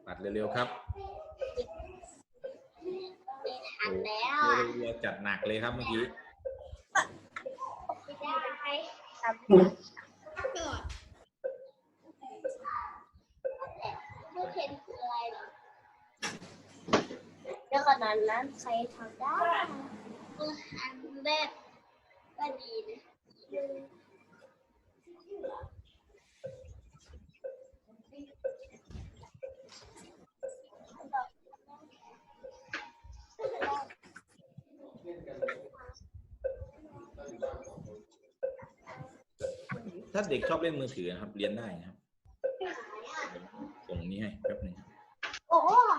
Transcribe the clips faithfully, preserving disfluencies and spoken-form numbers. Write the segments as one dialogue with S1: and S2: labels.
S1: ปัดเร็วๆครับ
S2: ทันแล้ว
S1: เรือจัดหนักเลยครับเมื่อกี้
S2: ไม่ได้ทำก่อนไม่เห็นคืออะไรหรอเดี๋ยวก่อนนั้นใครทำได้อันแรกก็ดีนะ
S1: ถ้าเด็กชอบเล่นมือถือนะครับเรียนได้นะครับส่งนี้ให้แป๊บหนึง
S2: โอ้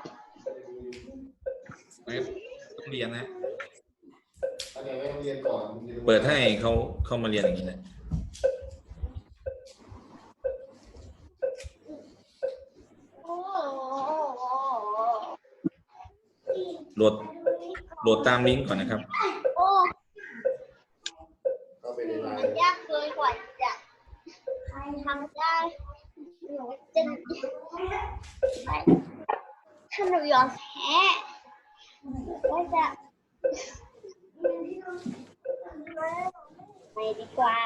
S1: ต้องเรียนนะ
S3: อันนี้ไม่ต้องเรียนก่อน
S1: เปิดให้เขาเข้ามาเรียนอย่างนี้นะโหลดโหลดตามลิงก์ก่อนนะครับ
S2: โอ้
S3: เข้าไปในไล
S2: มัน
S3: น์
S2: ยากเกินกว่าจะทำได้หนูจะถ้าหนูยอมแพ้ก็จะไปดีกว่า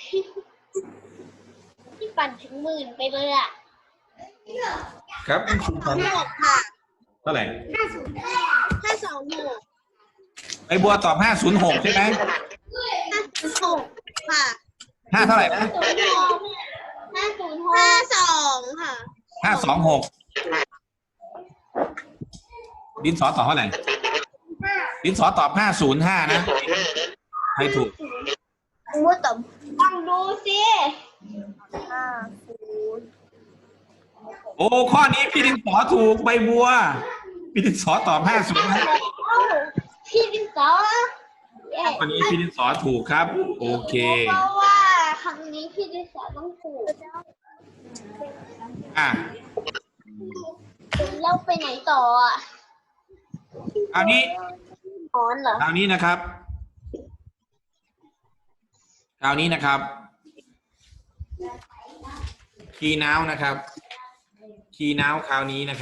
S2: ที่ปั่นถึงหมื่นไปเลยอ่ะ
S1: ครับคุณครูครับ
S2: หกค่ะ
S1: เท่าไหร่
S2: ห้าศูนย์ห้าสองหก
S1: ไอ้บัวตอบห้าศูนย์หกใช่ไหม
S2: ห้าศูนย์หกค่ะ
S1: ห้าเท่าไหร่นะ
S2: ศูนย์หกห้าศูนย์หกห้าสองค่ะ
S1: ห้าสองหกดินสอตอบเท่าไหร่ดินสอตอบห้าศูนย์ห้านะใครถูก
S2: มูตบต้องดูสิห้าศูนย์
S1: โอ้ข้อนี้พี่ดินสอถูกใบบัวพี่ดินสอตอบห้าศูนย์ห้า
S2: พี่ดินสอเย้
S1: ข้อนี้พี่ดินสอถูกครับโอเค
S2: เพราะว่าครั้งนี้พี่ดินสอต้องถูก
S1: อ่ะ
S2: แล้วไปไหนต่ออ่ะ
S1: คราวนี้
S2: นอนเหรอ
S1: คราวนี้นะครับคราวนี้นะครับคีย์นาวนะครับคีย์นาวคราวนี้นะครับ